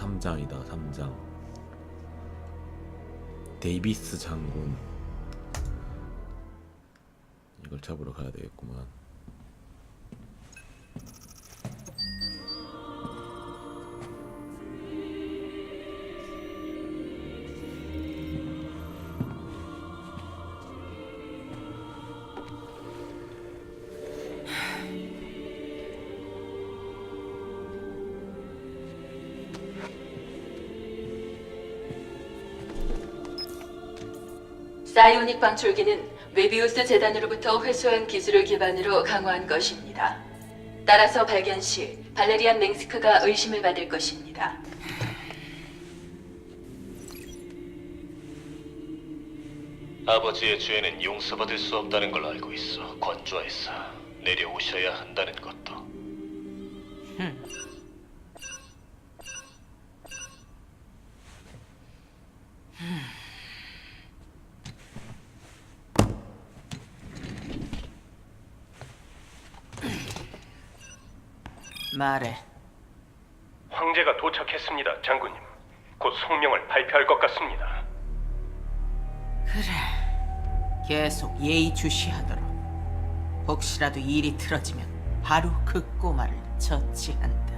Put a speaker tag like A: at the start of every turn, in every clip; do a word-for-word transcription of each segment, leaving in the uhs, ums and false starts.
A: 삼 장이다. 삼 장. 데이비스 장군. 이걸 잡으러 가야 되겠구만.
B: 사이오닉 방출기는 웨비우스 재단으로부터 회수한 기술을 기반으로 강화한 것입니다. 따라서 발견 시 발레리안 맹스크가 의심을 받을 것입니다.
C: 아버지의 죄는 용서받을 수 없다는 걸 알고 있어. 건조해서 내려오셔야 한다는 것도.
D: 말해.
E: 황제가 도착했습니다, 장군님. 곧 성명을 발표할 것 같습니다.
D: 그래. 계속 예의주시하도록. 혹시라도 일이 틀어지면 바로 그 꼬마를 처치한다.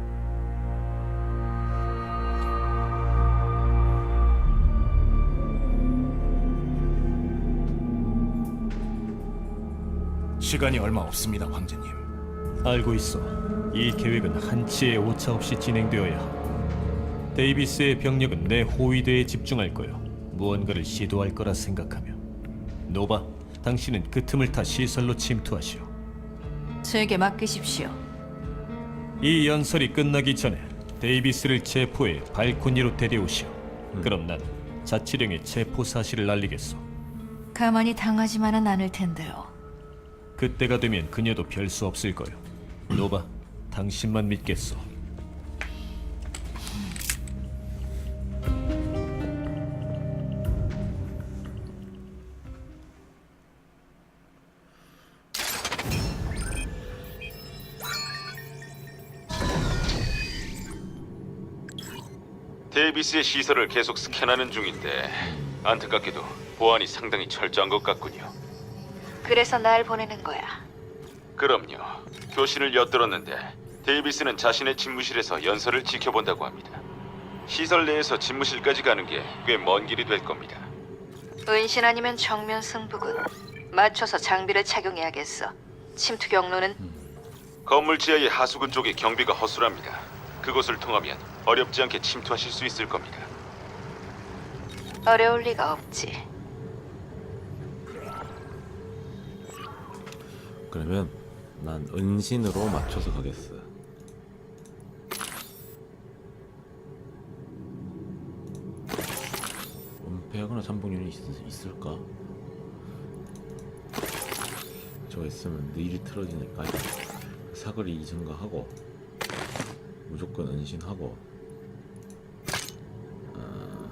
F: 시간이 얼마 없습니다, 황제님.
G: 알고 있어. 이 계획은 한치의 오차 없이 진행되어야 하고 데이비스의 병력은 내 호위대에 집중할 거야. 무언가를 시도할 거라 생각하며. 노바, 당신은 그 틈을 타 시설로 침투하시오.
H: 제게 맡기십시오.
G: 이 연설이 끝나기 전에 데이비스를 체포해 발코니로 데려오시오. 그럼 난 자치령의 체포 사실을 알리겠소.
H: 가만히 당하지만은 않을 텐데요.
G: 그때가 되면 그녀도 별 수 없을 거요. 노바, 당신만 믿겠소.
I: 데이비스의 시설을 계속 스캔하는 중인데 안타깝게도 보안이 상당히 철저한 것 같군요.
H: 그래서 날 보내는 거야.
I: 그럼요. 교신을 엿들었는데 데이비스는 자신의 집무실에서 연설을 지켜본다고 합니다. 시설 내에서 집무실까지 가는 게 꽤 먼 길이 될 겁니다.
H: 은신 아니면 정면 승부군. 맞춰서 장비를 착용해야겠어. 침투 경로는
I: 건물 지하의 하수구 쪽에 경비가 허술합니다. 그곳을 통하면 어렵지 않게 침투하실 수 있을 겁니다.
H: 어려울 리가 없지.
A: 그러면 난 은신으로 맞춰서 가겠어. 은폐하거나 잠복률이 있, 있을까? 저거 있으면 일이 틀어지니까 사거리 증가하고 무조건 은신하고 아...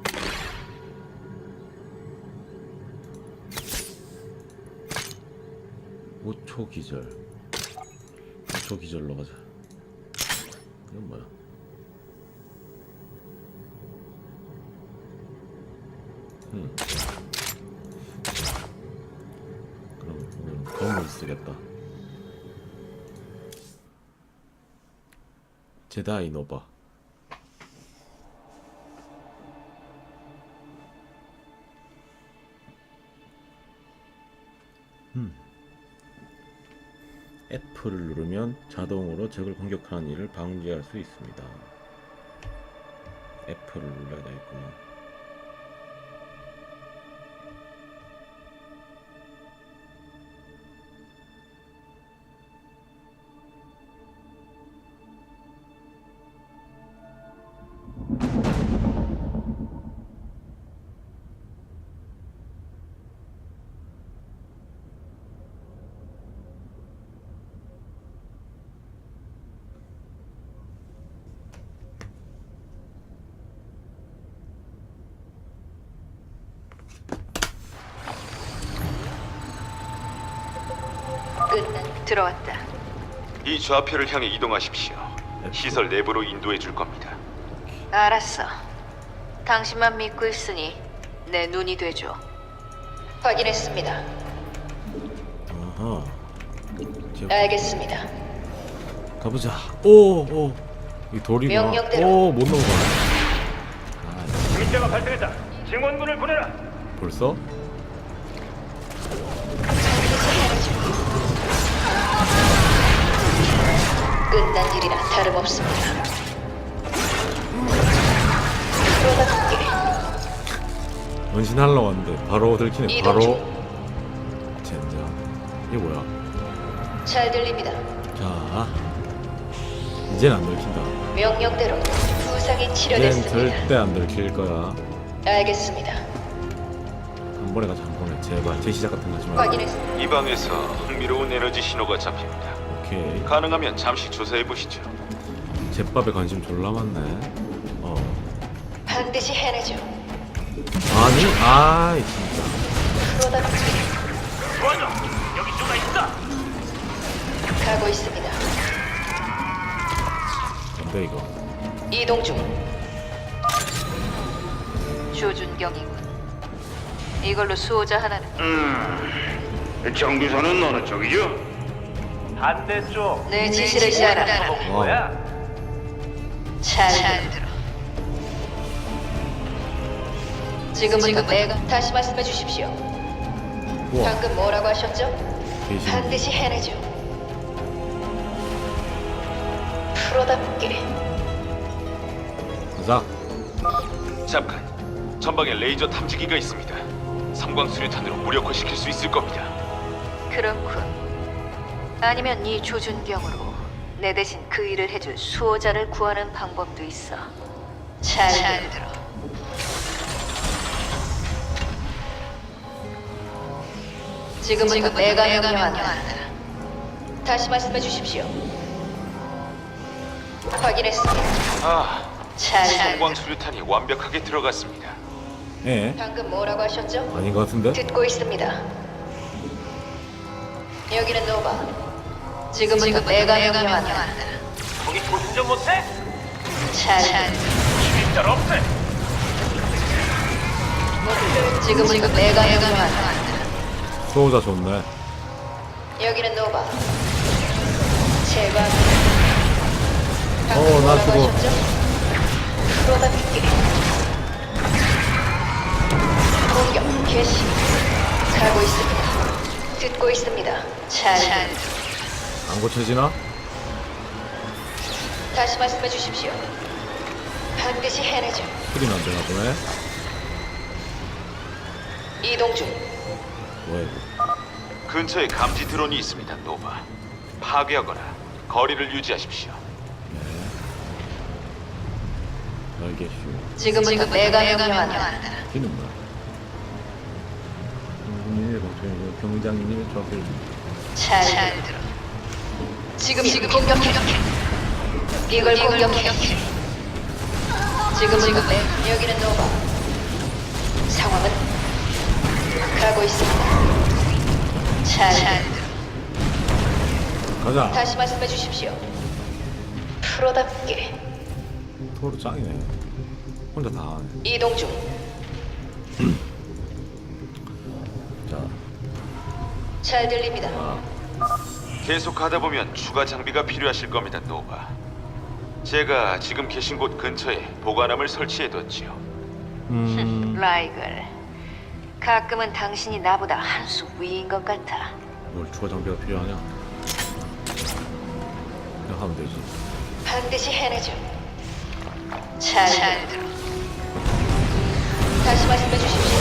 A: 오 초 기절 오 초 기절로 가자. 이건 뭐야? 음. 그럼 오늘 검을 쓰겠다. 제다이 노바. 음. F를 누르면 자동으로 적을 공격하는 일을 방지할 수 있습니다. F를 눌러야 되겠구나.
H: 끝난 들어왔다.
I: 이 좌표를 향해 이동하십시오. 시설 내부로 인도해 줄 겁니다.
H: 알았어. 당신만 믿고 있으니 내 눈이 되죠. 확인했습니다.
A: 아하. 제-
H: 알겠습니다.
A: 가보자. 오, 오. 이 돌이구나.
H: 명령대로.
A: 오, 못 넘어가. 아,
E: 문제가 발생했다. 증원군을 보내라.
A: 벌써?
H: 끝난 일이라 다름없습니다. 프로답게
A: 원신하려고 왔는데 바로 들키네.
H: 이동
A: 바로.
H: 중.
A: 젠장. 이게 뭐야?
H: 잘 들립니다.
A: 자. 이젠 안 들킨다.
H: 명령대로 부상이
A: 이젠
H: 치료됐습니다.
A: 절대 안 들킬 거야.
H: 알겠습니다.
A: 한 번에 가자, 한 번에. 제발. 재시작 같은 거 하지 말고.
H: 확인했습니다.
I: 이 방에서 흥미로운 에너지 신호가 잡힙니다.
A: 오케이.
I: 가능하면 잠시 조사해 보시죠.
A: 제밥에 관심 졸라 많네. 어.
H: 반드시 해내죠.
A: 아니, 아이, 진짜.
H: 프로답게
E: 도와줘. 여기 누가 있어?
H: 가고 있습니다.
A: 뭔데, 이거?
H: 이동 중. 조준경이군. 이걸로 수호자 하나는
E: 정비선은 어느 쪽이죠? 반대쪽.
H: 내 지시를 따라.
A: 와.
H: 잘 들어. 지금부터 내가 다시 말씀해 주십시오.
A: 우와.
H: 방금 뭐라고 하셨죠?
A: 대신.
H: 반드시 해내죠. 프로답게
A: 가자.
I: 잠깐. 전방에 레이저 탐지기가 있습니다. 삼광 수류탄으로 무력화시킬 수 있을 겁니다.
H: 그렇군. 아니면 이 조준경으로 내 대신 그 일을 해줄 수호자를 구하는 방법도 있어. 잘, 들어. 지금부터 내가 명령한다. 다시 말씀해 주십시오. 확인했습니다.
I: 아,
H: 잘,
I: 삼광 수류탄이 완벽하게 들어갔습니다.
A: 예.
H: 방금 뭐라고 하셨죠?
A: 아닌 것 같은데?
H: 듣고 있습니다. 여기는 노바. 지금부터 내가 명령한다.
E: 거기 도전 못해?
H: 잘,
E: 일단 없애.
H: 지금부터 내가 명령한다.
A: 수호자 좋네.
H: 여기는 노바. 제발.
A: 어, 나 죽어.
H: 프로답게. 공격 개시. 가고 있습니다. 듣고 있습니다. 잘.
A: 안 고쳐지나?
H: 다시 말씀해 주십시오. 반드시 해내죠.
A: 소리는 안 되나 보네.
H: 이동 중.
A: 뭐야, 이거.
I: 근처에 감지 드론이 있습니다, 노바. 파괴하거나 거리를 유지하십시오.
A: 날개슈.
H: 지금부터 내가 명령한다.
A: 기는 뭐야? 국민의 방송이고 병장님의 저길.
H: 잘, 들어. 지금 지금 공격해. 이걸 공격해. 지금부터 내 여기는 노바. 상황은 가고 있습니다. 잘, 들어.
A: 가자.
H: 다시 말씀해 주십시오. 프로답게
A: 토르 짱이네. 혼자 다 하네.
H: 이동 중.
A: 자,
H: 잘 들립니다.
I: 계속 가다 보면 추가 장비가 필요하실 겁니다, 노바. 제가 지금 계신 곳 근처에 보관함을 설치해뒀지요.
A: 음,
H: 라이글. 가끔은 당신이 나보다 한 수 위인 것 같아.
A: 뭘 추가 장비가 필요하냐? 그냥 하면 되지.
H: 반드시 해내죠. 잘, 들어. 다시 말씀해 주십시오.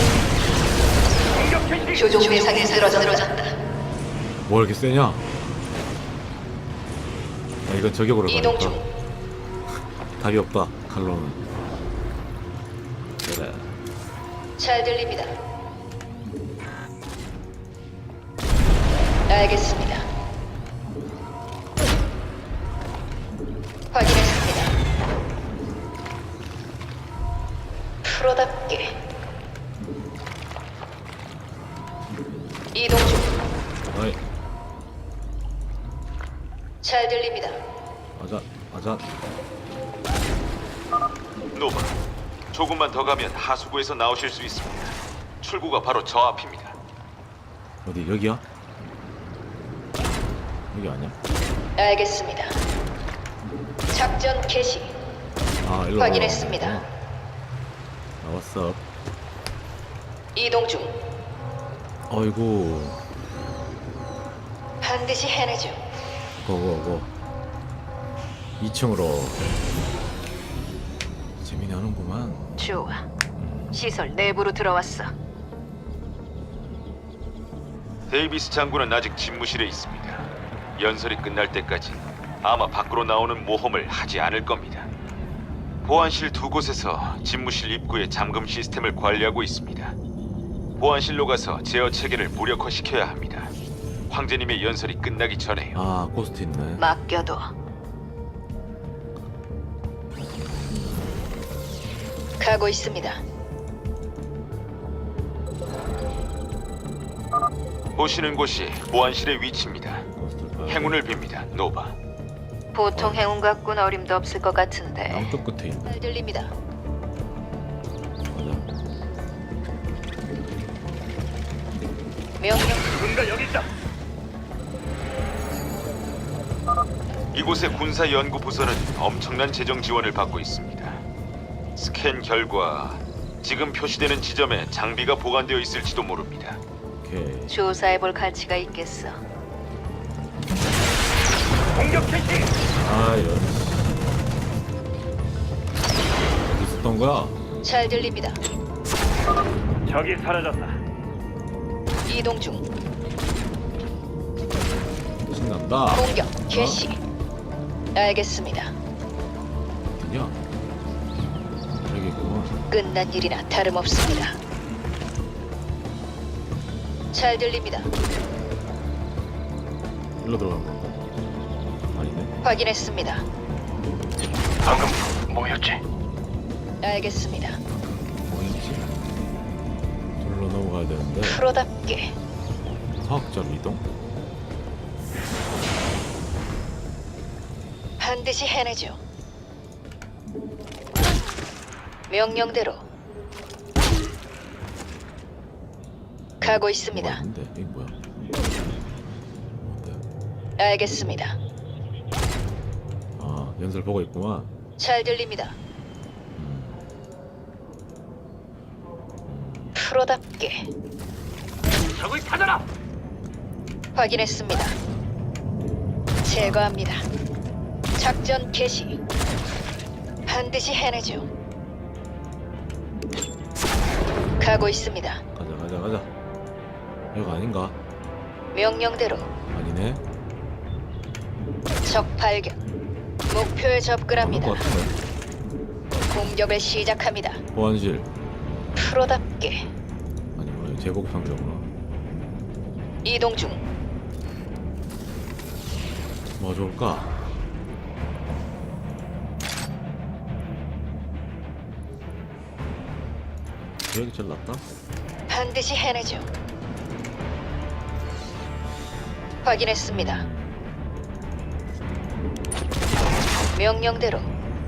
H: 조종 대상이 쓰러졌다.
A: 뭐 이렇게 세냐? 야, 이건 저격으로
H: 이동
A: 가니까
H: 중.
A: 답이 없다. 칼로는. 그래.
H: 잘 들립니다. 알겠습니다. 확인했습니다. 프로답게 이동 중.
A: 어이,
H: 잘 들립니다.
A: 맞아, 맞아.
I: 노바, 조금만 더 가면 하수구에서 나오실 수 있습니다. 출구가 바로 저 앞입니다.
A: 어디 여기야? 여기 아니야?
H: 알겠습니다. 작전 개시.
A: 아 일로
H: 확인했습니다.
A: 나왔어.
H: 이동 중.
A: 어이구
H: 반드시 해내죠.
A: 고고고 이 층으로 재미나는구만.
H: 좋아. 시설 내부로 들어왔어.
I: 데이비스 장군은 아직 집무실에 있습니다. 연설이 끝날 때까지 아마 밖으로 나오는 모험을 하지 않을 겁니다. 보안실 두 곳에서 집무실 입구의 잠금 시스템을 관리하고 있습니다. 보안실로 가서 제어 체계를 무력화시켜야 합니다. 황제님의 연설이 끝나기 전에요.
A: 아 고스트 있네.
H: 맡겨둬. 가고 있습니다.
I: 보시는 곳이 보안실의 위치입니다.
A: 고스트를 봐야 돼.
I: 행운을 빕니다, 노바.
H: 보통 행운 갖고는 어림도 없을 것 같은데.
A: 양쪽 끝에 있네.
H: 잘 들립니다.
A: 맞아.
H: 명령.
E: 누군가 여기 있다.
I: 이곳의 군사연구부서는 엄청난 재정 지원을 받고 있습니다. 스캔 결과 지금 표시되는 지점에 장비가 보관되어 있을지도 모릅니다.
A: 오케이.
H: 조사해볼 가치가 있겠어.
E: 공격 개시.
A: 아 이런. 어디 있었던 거야?
H: 잘 들립니다.
E: 적이 사라졌다.
H: 이동 중.
A: 신난다.
H: 공격 개시. 알겠습니다.
A: 어디냐? 여기 있구만.
H: 끝난 일이나 다름없습니다. 잘 들립니다.
A: 일로 들어간 건가? 아니네.
H: 확인했습니다.
E: 방금 뭐였지?
H: 알겠습니다.
A: 뭐였지? 둘로 넘어가야 되는데.
H: 프로답게.
A: 과학자로 이동?
H: 반드시 해내죠. 명령대로 가고
A: 뭐가
H: 있습니다.
A: 있는데 이게 뭐야? 뭔데?
H: 알겠습니다.
A: 아 연설 보고 있구만.
H: 잘 들립니다. 프로답게
E: 적을 찾아라.
H: 확인했습니다. 제거합니다. 작전 개시. 반드시 해내죠. 가고 있습니다.
A: 가자 가자 가자. 여기 아닌가?
H: 명령대로
A: 아니네.
H: 적 발견. 목표에
A: 아닐
H: 접근합니다.
A: 것 같은데.
H: 공격을 시작합니다.
A: 보안실.
H: 프로답게
A: 아니 뭐야 제복 상자구나.
H: 이동 중.
A: 뭐 좋을까? 여기 제일 낫다?
H: 반드시 해내죠. 확인했습니다. 명령대로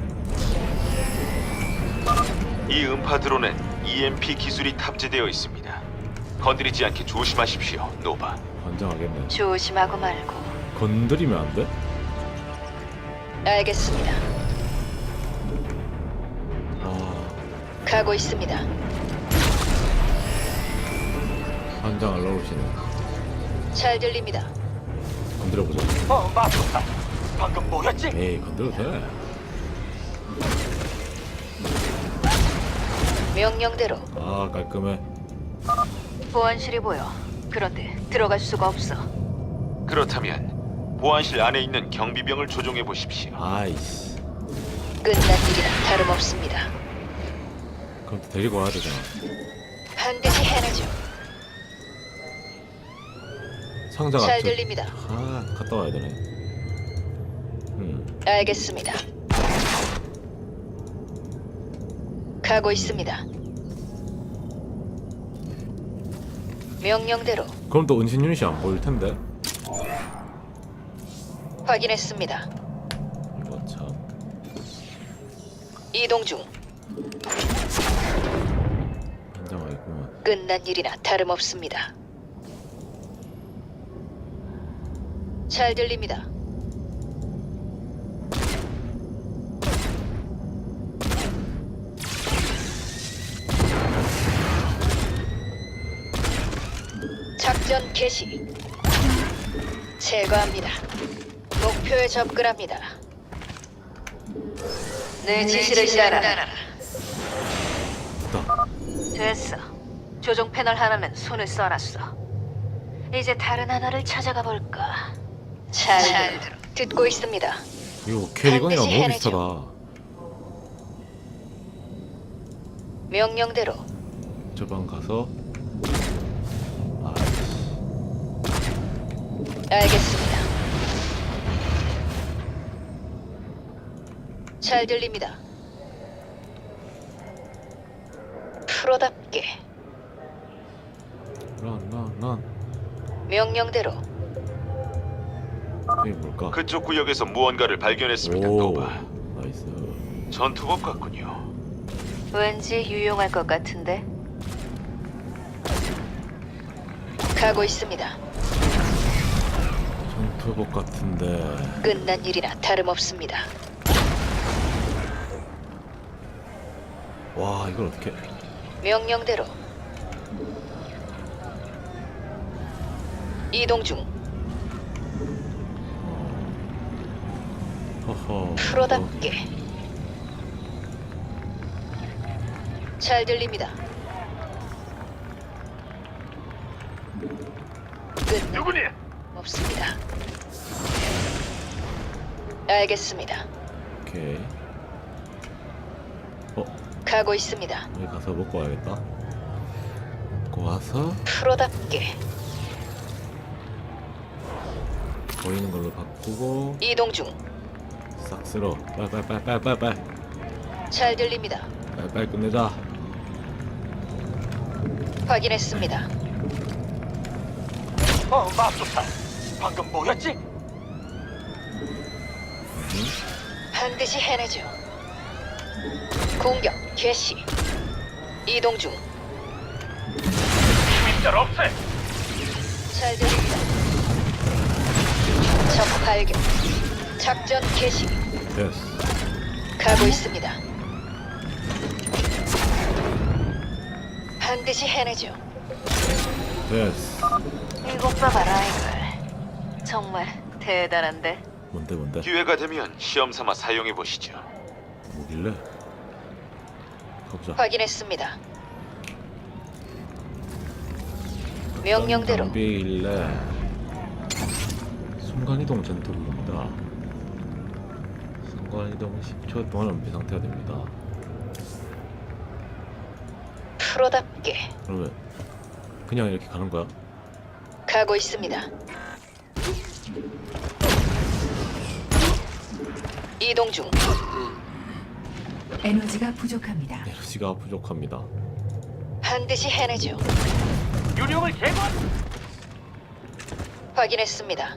I: 이 음파 드론엔 이엠피 기술이 탑재되어 있습니다. 건드리지 않게 조심하십시오, 노바.
A: 환장하겠네.
H: 조심하고 말고.
A: 건드리면 안 돼?
H: 알겠습니다.
A: 아
H: 가고 있습니다.
A: 환장을 넣으시네.
H: 잘 들립니다.
A: 건드려보자.
E: 어, 맞췄다. 방금 뭐였지?
A: 에이 건드려도 돼.
H: 명령대로
A: 아 깔끔해.
H: 보안실이 보여. 그런데 들어갈 수가 없어.
I: 그렇다면 보안실 안에 있는 경비병을 조종해 보십시오.
A: 아이씨.
H: 끝난 일이나 다름없습니다.
A: 그럼 또 데리고 와야 되잖아.
H: 반드시 해내죠.
A: 상자가
H: 잘
A: 저-
H: 들립니다.
A: 아 갔다 와야 되네. 음
H: 알겠습니다. 가고 있습니다. 명령대로
A: 그럼 또 은신 유닛이 안 보일 텐데.
H: 확인했습니다.
A: 이거 참.
H: 이동 중.
A: 현장화 있구만.
H: 끝난 일이나 다름없습니다. 잘 들립니다. 작전 개시. 제거합니다. 목표에 접근합니다. 내 지시를 따라.
A: 됐다.
H: 됐어. 조종 패널 하나는 손을 써놨어. 이제 다른 하나를 찾아가 볼까. 잘 들어. 듣고 있습니다.
A: 이거 캐리건이랑
H: 반드시
A: 너무
H: 해내죠.
A: 비슷하다.
H: 명령대로.
A: 저 방 가서. 아,
H: 알겠습니다. 잘 들립니다. 프로답게.
A: 난, 난, 난.
H: 명령대로.
A: 이게 뭘까?
I: 그쪽 구역에서 무언가를 발견했습니다.
A: 오,
I: 노바.
A: 나이스.
I: 전투복 같군요.
H: 왠지 유용할 것 같은데. 가고 있습니다.
A: 전투복 같은데.
H: 끝난 일이나 다름없습니다.
A: 와, 이걸 어떻게?
H: 명령대로. 이동 중.
A: 허허.
H: 프로답게. 잘 들립니다. 끝.
E: 누구니?
H: 없습니다. 알겠습니다.
A: 오케이. 어,
H: 가고 있습니다.
A: 여기 가서 먹고 와야겠다. 먹고 와서
H: 프로답게.
A: 보이는 걸로 바꾸고
H: 이동 중.
A: 싹 쓸어. 빨빨빨빨빨빨.
H: 잘 들립니다.
A: 빨빨 끝내자.
H: 확인했습니다.
E: 어, 맙소사. 방금 뭐였지?
H: 반드시 해내죠. 공격 개시. 이동 중.
E: 일절 없애.
H: 잘 들립니다. 적 발견. 작전 개시.
A: 됐어.
H: 가고 있습니다. 반드시 해내죠.
A: 됐어.
H: 이것 봐봐라 이걸. 정말 대단한데.
A: 뭔데 뭔데?
I: 기회가 되면 시험 삼아 사용해 보시죠.
A: 뭐길래? 가보자.
H: 확인했습니다. 명령대로.
A: 장비길래 순간이동 전투기입니다. 순간이동 십 초 동안 은폐 상태가 됩니다.
H: 프로답게.
A: 그러면 그냥 이렇게 가는 거야?
H: 가고 있습니다. 이동 중.
J: 에너지가 부족합니다.
A: 에너지가 부족합니다.
H: 반드시 해내죠.
E: 유령을 제거.
H: 확인했습니다.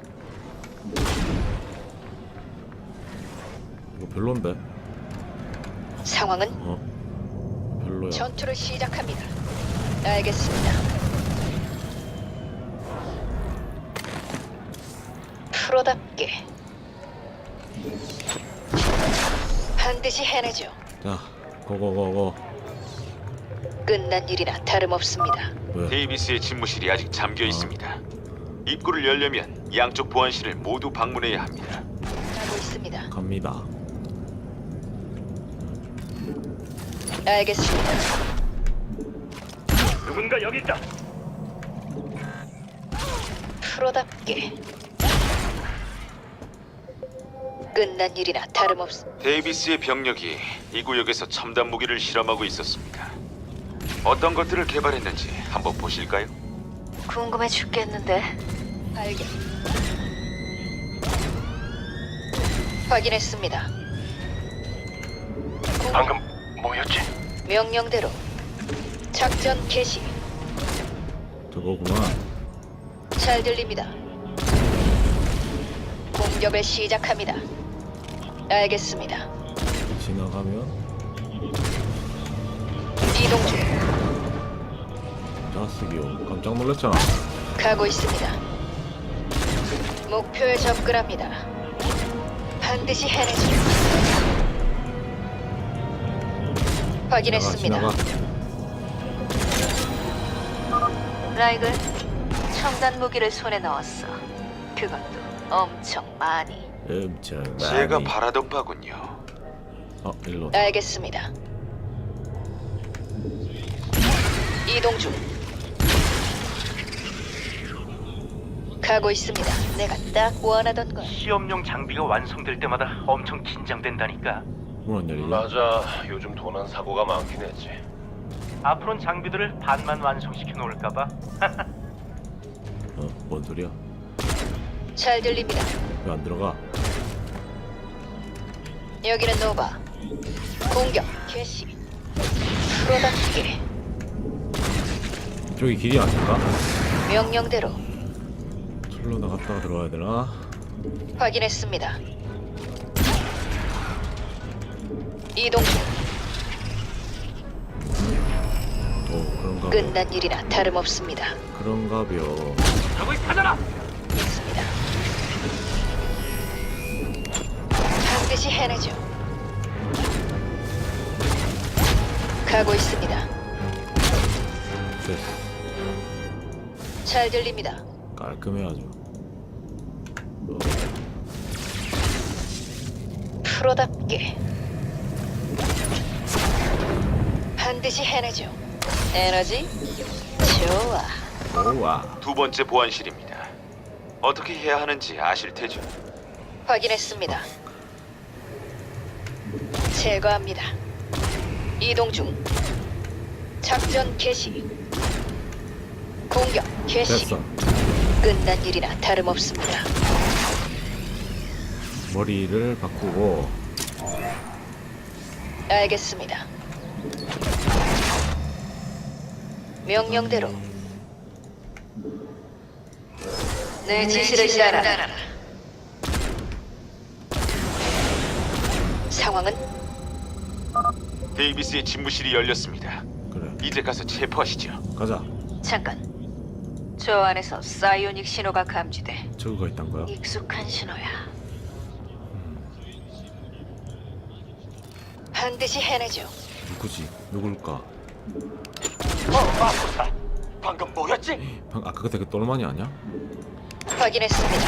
A: 이거 별론데?
H: 상황은
A: 어? 별로야.
H: 전투를 시작합니다. 알겠습니다. 프로답게. 반드시 해내죠.
A: 자, 고고고고.
H: 끝난 일이나 다름없습니다.
A: 왜?
I: 데이비스의 집무실이 아직 잠겨 있습니다. 입구를 열려면 양쪽 보안실을 모두 방문해야 합니다.
H: 가고 있습니다.
A: 갑니다.
H: 알겠습니다.
E: 누군가 여기 있다.
H: 프로답게. 끝난 일이나 다름없.
I: 데이비스의 병력이 이 구역에서 첨단 무기를 실험하고 있었습니다. 어떤 것들을 개발했는지 한번 보실까요?
H: 궁금해 죽겠는데. 발견. 확인했습니다.
E: 방금 뭐였지?
H: 명령대로 작전 개시.
A: 저거구만.
H: 잘 들립니다. 공격을 시작합니다. 알겠습니다.
A: 지나가면
H: 이동 중.
A: 자식이요. 깜짝 놀랐잖아.
H: 가고 있습니다. 목표에 접근합니다. 반드시 해내죠.
A: 지나가,
H: 확인했습니다.
A: 지나가.
H: 라이글, 첨단 무기를 손에 넣었어. 그것도 엄청 많이.
A: 엄청 많이.
I: 제가 바라던 바군요.
A: 어, 일로.
H: 알겠습니다. 이동 중. 가고 있습니다. 내가 딱 원하던 걸.
E: 시험용 장비가 완성될 때마다 엄청 긴장된다니까.
A: 문안 열리냐?
C: 맞아. 요즘 도난 사고가 많긴 했지.
E: 앞으로는 장비들을 반만 완성시켜 놓을까봐.
A: 어, 뭔 소리야?
H: 잘 들립니다.
A: 왜 안 들어가?
H: 여기는 노바. 공격 개시. 프로답게
A: 저기 길이 아닐까?
H: 명령대로
A: 철로 나갔다가 들어와야 되나?
H: 확인했습니다. 이동 중.
A: 오, 그런가 봐.
H: 끝난 일이나 다름없습니다.
A: 그런가벼.
E: 저기 찾아라.
H: 있습니다. 반드시 해내죠. 가고 있습니다.
A: 됐어.
H: 잘 들립니다.
A: 깔끔해 아주. 어,
H: 프로답게 반드시 해내죠. 에너지 좋아.
A: 오와.
I: 두 번째 보안실입니다. 어떻게 해야 하는지 아실 테죠?
H: 확인했습니다. 제거합니다. 이동 중. 작전 개시. 공격 개시.
A: 됐어.
H: 끝난 일이나 다름없습니다.
A: 머리를 바꾸고.
H: 알겠습니다. 명령대로 내 지시를 따라라. 상황은
I: 데이비스의 집무실이 열렸습니다.
A: 그래.
I: 이제 가서 체포하시죠.
A: 가자.
H: 잠깐. 저 안에서 사이오닉 신호가 감지돼.
A: 저거가 있단 거야?
H: 익숙한 신호야. 반드시 해내죠.
A: 누구지? 누굴까?
E: 어, 마포사. 방금 뭐였지?
A: 방, 아까 그때 그 똘마니 아니야?
H: 확인했습니다.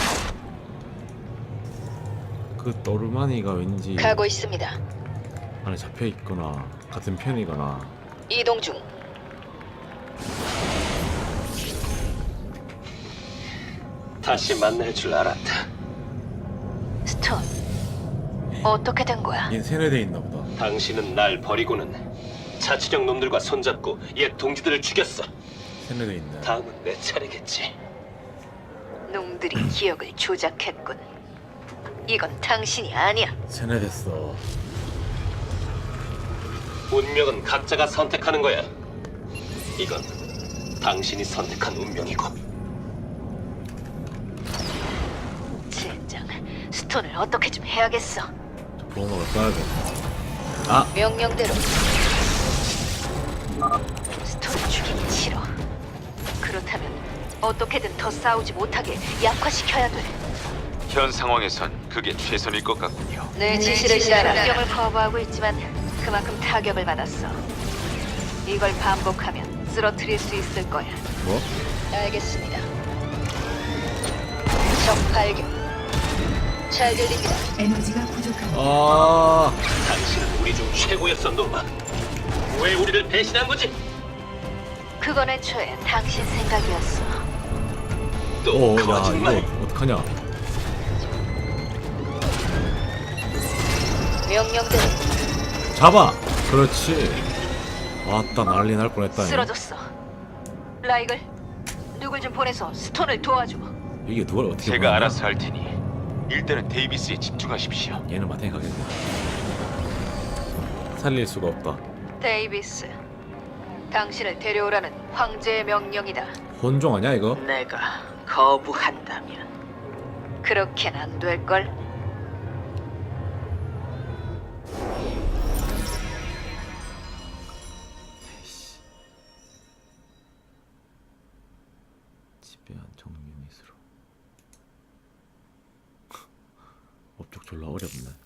A: 그 똘마니가 왠지
H: 가고 있습니다.
A: 안에 잡혀 있거나 같은 편이거나.
H: 이동 중.
C: 다시 만날 줄 알았다.
H: 스톤. 어떻게 된 거야?
A: 얘 세뇌돼 있나 보다.
C: 당신은 날 버리고는 자치령 놈들과 손잡고 옛 동지들을 죽였어.
A: 세뇌돼 있네.
C: 다음은 내 차례겠지.
H: 놈들이 기억을 조작했군. 이건 당신이 아니야.
A: 세뇌됐어.
C: 운명은 각자가 선택하는 거야. 이건 당신이 선택한 운명이고.
H: 젠장. 스톤을 어떻게 좀 해야겠어.
A: 저 보호막을 써야 돼. 아!
H: 명령대로. 스톤을 죽이기 싫어. 그렇다면 어떻게든 더 싸우지 못하게 약화시켜야 돼.
I: 현 상황에선 그게 최선일 것 같군요.
H: 내 지시를 따라 공격을 거부하고 있지만 그만큼 타격을 받았어. 이걸 반복하면 쓰러뜨릴 수 있을 거야.
A: 뭐?
H: 알겠습니다. 적 발견. 잘 들립니다.
A: 아!
C: 당신은 우리 중 최고였어, 노마. 왜 우리를 배신한 거지?
H: 그건 애초에 당신 생각이었어.
C: 또
A: 오, 야,
C: 거짓말.
A: 이거 어떡하냐?
H: 명령대로
A: 잡아! 그렇지. 왔다, 난리 날 뻔했다.
H: 쓰러졌어. 라이글, 누굴 좀 보내서 스톤을 도와줘.
A: 이게 누굴 어떻게
I: 제가
A: 보냈나?
I: 알아서 할 테니 일단은 데이비스에 집중하십시오.
A: 얘는 마탱이 가겠네. 살릴 수가 없다.
H: 데이비스, 당신을 데려오라는 황제의 명령이다.
A: 혼종 아니야 이거?
D: 내가 거부한다면
H: 그렇게는 안 될걸?
A: 졸라 어렵네.